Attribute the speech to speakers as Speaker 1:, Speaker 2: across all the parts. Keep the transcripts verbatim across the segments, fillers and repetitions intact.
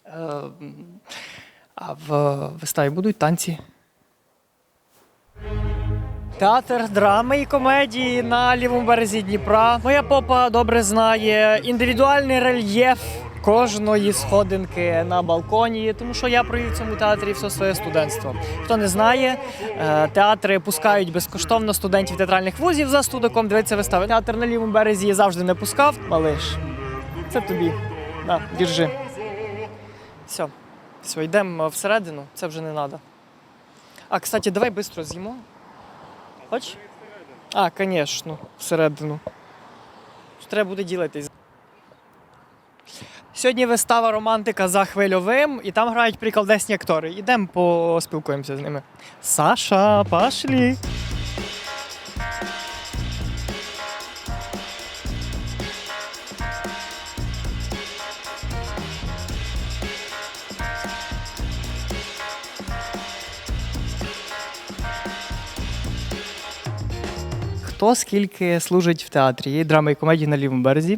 Speaker 1: Е, А в виставі будуть танці? Театр драми і комедії на лівому березі Дніпра. Моя попа добре знає індивідуальний рельєф кожної сходинки на балконі, тому що я провів в цьому театрі все своє студентство. Хто не знає, е, театри пускають безкоштовно студентів театральних вузів за студиком дивитися вистави. Театр на лівому березі завжди не пускав. Малиш, це тобі. На, держи. Все, все, йдемо всередину, це вже не треба. А, кстати, давай швидко з'їмо. Хоч? А, звісно, всередину. Треба буде ділитись. Сьогодні вистава «Романтика за хвильовим» і там грають приколдесні актори. Ідемо поспілкуємося з ними. Саша, пошлі! Хто скільки служить в театрі? Є драми і комедії на лівому березі.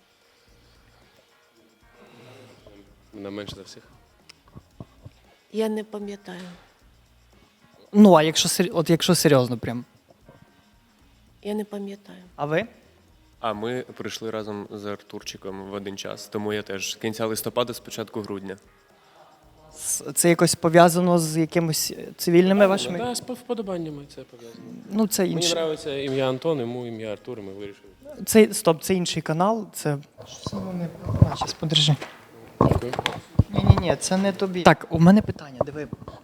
Speaker 2: Вона менше за всіх.
Speaker 3: Я не пам'ятаю.
Speaker 1: Ну, а якщо, сер- от якщо серйозно прям.
Speaker 3: Я не пам'ятаю.
Speaker 1: А ви?
Speaker 2: А ми прийшли разом з Артурчиком в один час, тому я теж з кінця листопада, з початку грудня.
Speaker 1: С- Це якось пов'язано з якимось цивільними вашими?
Speaker 2: Так, з вподобаннями це пов'язано.
Speaker 1: Ну, це
Speaker 2: Мені
Speaker 1: інший.
Speaker 2: подобається ім'я Антон, йому ім'я Артур, і ми вирішили.
Speaker 1: Це, стоп, це інший канал. Це. Що воно не. А, щас, подержи.
Speaker 2: Дякую.
Speaker 1: Ні-ні-ні, це не тобі. Так, у мене питання, диви.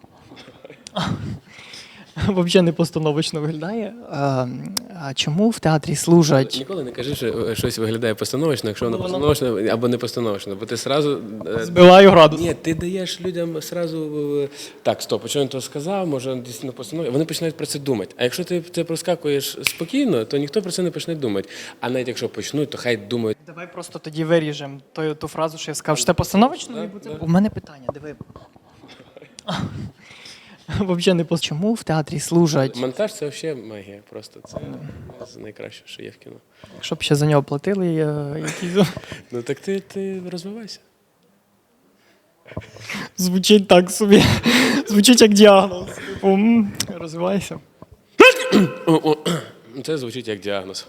Speaker 1: Взагалі не постановочно виглядає. А, а чому в театрі служать?
Speaker 2: Ніколи не кажи, що щось виглядає постановочно, якщо воно
Speaker 1: Ну, воно-
Speaker 2: постановочно або не постановочно, бо ти сразу... е,
Speaker 1: Збиваю градус.
Speaker 2: Ні, ти даєш людям сразу е, так, стоп, що він то сказав, може дійсно постановив. Вони починають про це думати. А якщо ти це проскакуєш спокійно, то ніхто про це не почне думати. А навіть якщо почнуть, то хай думають.
Speaker 1: Давай просто тоді виріжемо ту, ту фразу, що я сказав, що це постановочно.
Speaker 2: Да,
Speaker 1: і буде-
Speaker 2: да.
Speaker 1: У мене питання, диви. Взагалі не по чому в театрі служать,
Speaker 2: Монтаж це взагалі магія. Просто це з найкращого, що є в кіно.
Speaker 1: щоб ще за нього платили е, якісь.
Speaker 2: Ну так ти, ти розвивайся.
Speaker 1: Звучить так собі. Звучить як діагноз. Типу, м, розвивайся.
Speaker 2: О, о, це звучить як діагноз.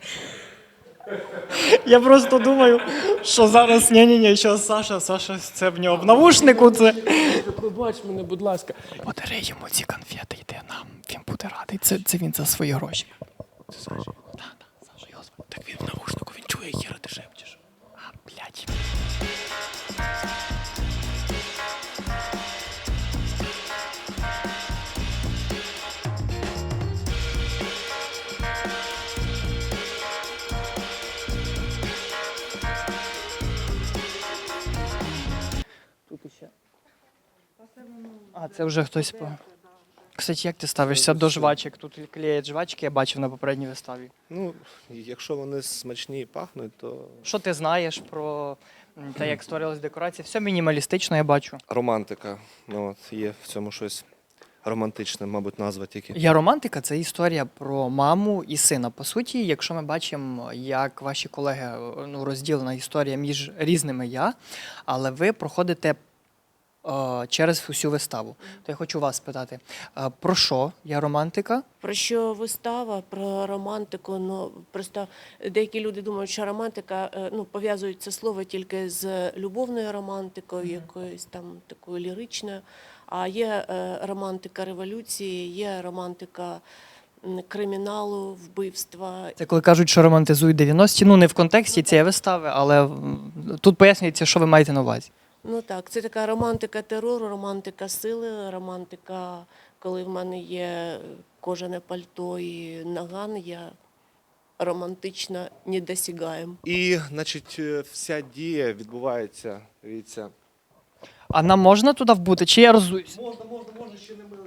Speaker 1: Я просто думаю, що зараз ні-ні-ні, що Саша, Саша, це в нього в навушнику це.
Speaker 2: Пробач мене, будь ласка.
Speaker 1: Подари йому ці конфети, йде нам. Він буде радий. Це, це він за свої гроші.
Speaker 2: Це Саша.
Speaker 1: Так, так, Саша його звати.
Speaker 2: Так він в навушнику, він чує, хіра ти шепчеш.
Speaker 1: А, блядь. Тут іще. А, це вже хтось по. Кстати, як ти ставишся до жвачок? Тут клеять жвачки, я бачив на попередній виставі.
Speaker 4: Ну, якщо вони смачні і пахнуть, то
Speaker 1: Що ти знаєш про м, те, як створилась декорація? Все мінімалістично, я бачу.
Speaker 4: романтика. Ну, от, є в цьому щось романтичне, мабуть, назва тільки.
Speaker 1: Я романтика це історія про маму і сина. По суті, якщо ми бачимо, як ваші колеги ну, розділена історія між різними я, але ви проходите е, через всю виставу. То я хочу вас спитати, е, про що я романтика?
Speaker 3: Про що вистава, про романтику, ну просто деякі люди думають, що романтика, е, ну, пов'язують це слово тільки з любовною романтикою, якоюсь там такою ліричною. А є е, романтика революції, є романтика м, криміналу, вбивства.
Speaker 1: Це коли кажуть, що романтизують дев'яності, ну не в контексті цієї вистави, але м, тут пояснюється, що ви маєте на увазі.
Speaker 3: Ну так, це така романтика терору, романтика сили, романтика, коли в мене є кожане пальто і наган, я романтично недосягаєм.
Speaker 4: І, значить, е, вся дія відбувається, дивіться.
Speaker 1: А нам можна туди вбути, чи я розуюсь?
Speaker 4: Можна, можна, можна, ще не ми.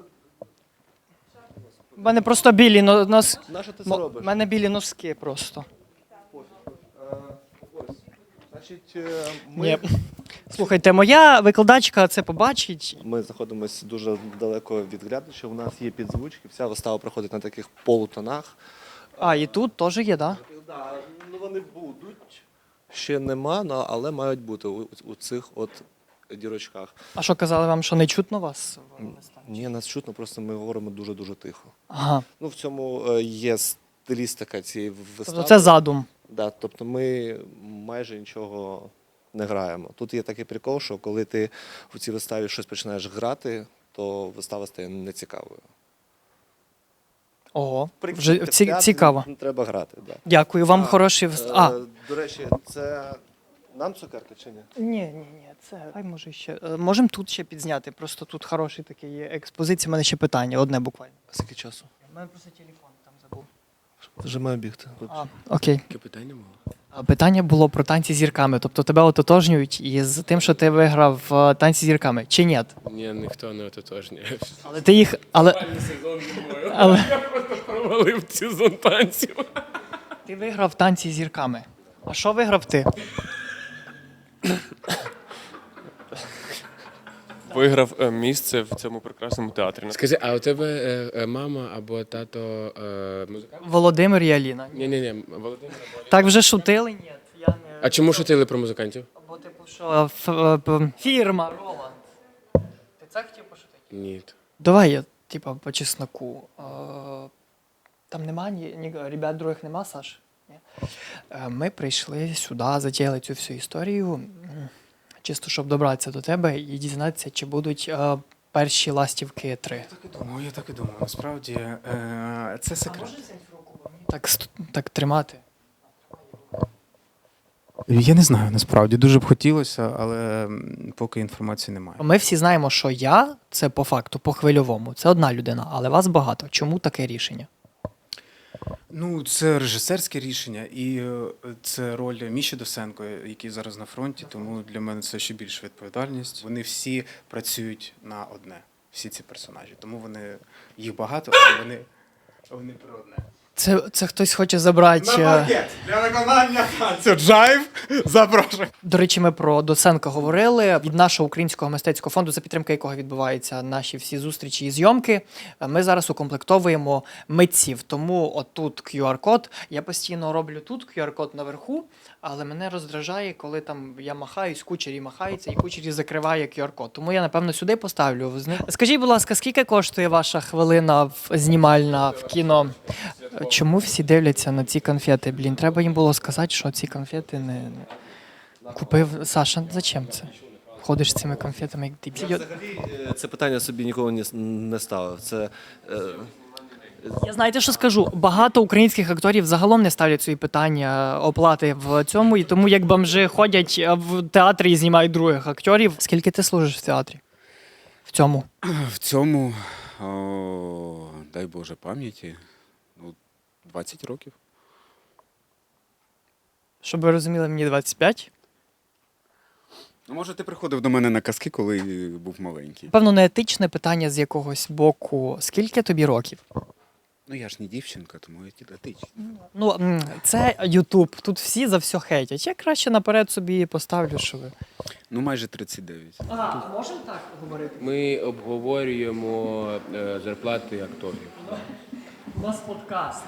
Speaker 1: У мене просто білі но- нос...
Speaker 4: На що ти це
Speaker 1: Мо-
Speaker 4: робиш?
Speaker 1: У мене білі носки просто.
Speaker 4: Е, Ось. Значить, е, ми,
Speaker 1: Ні. Слухайте, моя викладачка це побачить.
Speaker 4: ми знаходимося дуже далеко від глядача. У нас є підзвучки, вся вистава проходить на таких полутонах.
Speaker 1: А, і тут теж є, так? Да?
Speaker 4: Да, ну вони будуть. Ще нема, ну, але мають бути у, у цих от дірочках.
Speaker 1: А що казали вам, що не чутно вас? в виставі?
Speaker 4: Ні, нас чутно, просто ми говоримо дуже-дуже тихо.
Speaker 1: Ага.
Speaker 4: Ну, в цьому е, є стилістика цієї вистави.
Speaker 1: Тобто це задум.
Speaker 4: Да, тобто ми майже нічого не граємо. Тут є такий прикол, що коли ти в цій виставі щось починаєш грати, то вистава стає нецікавою.
Speaker 1: Ого,
Speaker 4: В
Speaker 1: вже
Speaker 4: в
Speaker 1: ці,
Speaker 4: театрі
Speaker 1: цікаво.
Speaker 4: не треба грати. Да.
Speaker 1: Дякую, вам хороший... вс- А,
Speaker 4: Е, До речі, це нам цукерки чи ні?
Speaker 1: ні, ні, ні, це... Хай може ще... е, Можемо тут ще підзняти, просто тут хороший такий є експозиція, у мене ще питання, одне буквально.
Speaker 4: А скільки часу?
Speaker 1: У мене просто телефон там забув.
Speaker 4: Вже маю бігти.
Speaker 1: А, окей.
Speaker 2: Яке питання було?
Speaker 1: А питання було про танці з зірками. Тобто тебе ототожнюють із тим, що ти виграв е, танці з зірками, чи ні?
Speaker 2: Ні, ніхто не ототожнює.
Speaker 1: Але ти їх... Але,
Speaker 2: Сезон зимою.
Speaker 1: але
Speaker 2: Я просто провалив сезон танців.
Speaker 1: ти виграв танці з зірками. А що виграв ти?
Speaker 5: Виграв е, місце в цьому прекрасному театрі.
Speaker 2: Скажи, а у тебе е, е, мама або тато е, музикант?
Speaker 1: Володимир і Аліна.
Speaker 2: Ні, ні, ні, Володимир. або-
Speaker 1: Так вже шутили? Ні, я не...
Speaker 2: А чому шутили про музикантів?
Speaker 1: Або типу, що ф- е, п- фірма Роланд. Ти це хотів пошутити?
Speaker 2: Ні.
Speaker 1: Давай я, типа, по чесноку. Е, Там нема ні, ні ребят других нема, Саш? Ні? Е, Ми прийшли сюди, затіяли цю всю історію, м, чисто щоб добратися до тебе і дізнатися, чи будуть е, перші ластівки три.
Speaker 5: Так і думаю, я так і думаю. Насправді е, це секрет.
Speaker 1: Так, ст- так тримати.
Speaker 5: Я не знаю, насправді дуже б хотілося, але м, поки інформації немає.
Speaker 1: Ми всі знаємо, що я це по факту, по хвильовому. Це одна людина, але вас багато. Чому таке рішення?
Speaker 5: Ну, це режисерське рішення, і е, це роль Міші Досенко, який зараз на фронті, тому для мене це ще більша відповідальність. Вони всі працюють на одне, всі ці персонажі. Тому вони їх багато, але вони, вони про одне.
Speaker 1: Це, це хтось хоче забрати. е,
Speaker 5: для виконання танцю джайв запрошую.
Speaker 1: До речі, ми про Доценка говорили. Від нашого українського мистецького фонду, за підтримки якого відбуваються наші всі зустрічі і зйомки, ми зараз укомплектовуємо митців. Тому отут кью ар-код. Я постійно роблю тут кью ар-код наверху, але мене роздражає, коли там я махаюсь, кучері махається, і кучері закриває кью ар-код. Тому я, напевно, сюди поставлю. Скажіть, будь ласка, скільки коштує ваша хвилина в- знімальна в кіно? Чому всі дивляться на ці конфети? Блін, треба їм було сказати, що ці конфети не... не- Купив Саша, зачем це? Ходиш з цими конфетами, як дебіл.
Speaker 4: Взагалі, е, це питання собі ніколи не, с- не ставив. Це, е,
Speaker 1: Я знаєте, що скажу? Багато українських акторів загалом не ставлять свої питання оплати в цьому, і тому як бомжи ходять в театрі і знімають других акторів. Скільки ти служиш в театрі? В цьому?
Speaker 6: В цьому, о, дай Боже пам'яті, ну, двадцять років.
Speaker 1: Щоб ви розуміли, мені двадцять п'ять.
Speaker 6: Ну, може, ти приходив до мене на казки, коли був маленький.
Speaker 1: Певно, неетичне питання з якогось боку. Скільки тобі років?
Speaker 6: Ну, я ж не дівчинка, тому я дідатичний.
Speaker 1: Ну, м, це Ютуб. Тут всі за все хейтять. Я краще наперед собі поставлю, що ви.
Speaker 6: Ну, майже тридцять дев'ять.
Speaker 1: А, можемо так говорити?
Speaker 2: Ми обговорюємо е, зарплати акторів.
Speaker 1: У нас подкаст.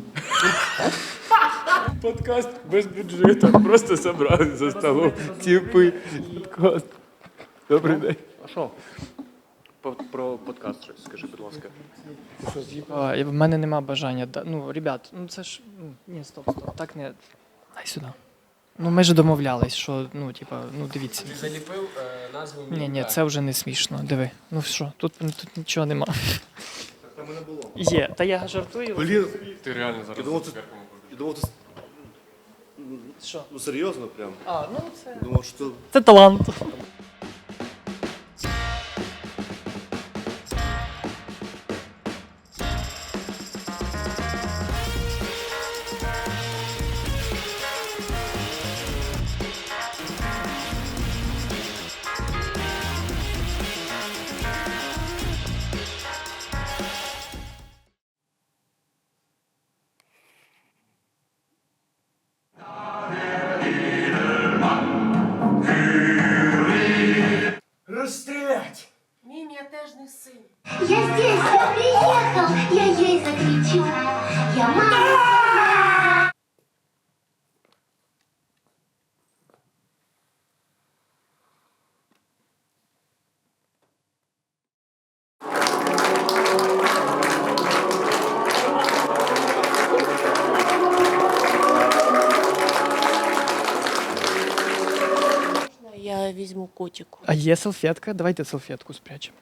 Speaker 2: Подкаст без бюджету, просто зібрали за столом. Типи. Подкаст. Добрий день.
Speaker 5: А що? Про подкаст щось скажи, будь ласка.
Speaker 1: А, в мене нема бажання. да- Ну, ребят, ну це ж. ну, Ні, стоп, стоп, так не. Дай сюди. Ну, ми ж домовлялись, що, ну, типа, ну дивіться.
Speaker 2: Заліпив е, назву.
Speaker 1: Ні, ні, це вже не смішно. Диви. Ну що, тут, тут нічого нема.
Speaker 4: Там не було.
Speaker 1: Є. Та я жартую.
Speaker 4: Блін,
Speaker 5: Ти реально зараз.
Speaker 4: я думав, ти, я думав, ти,
Speaker 1: Що?
Speaker 4: ну серйозно прям.
Speaker 1: А, ну це.
Speaker 4: Думав, що
Speaker 1: Це талант. Розстрілять!
Speaker 3: Ні, я теж не син.
Speaker 7: Я здесь, я приехал, я ей закричу. Я мама.
Speaker 3: котику.
Speaker 1: А є салфетка? Давайте салфетку спрячемо.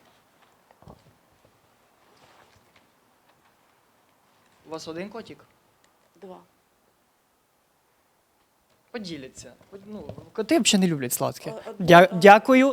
Speaker 1: У вас один котик?
Speaker 3: Два.
Speaker 1: Поділяться. Ну, коти взагалі не люблять сладке.
Speaker 3: О-
Speaker 1: Дя-
Speaker 3: о-
Speaker 1: дякую.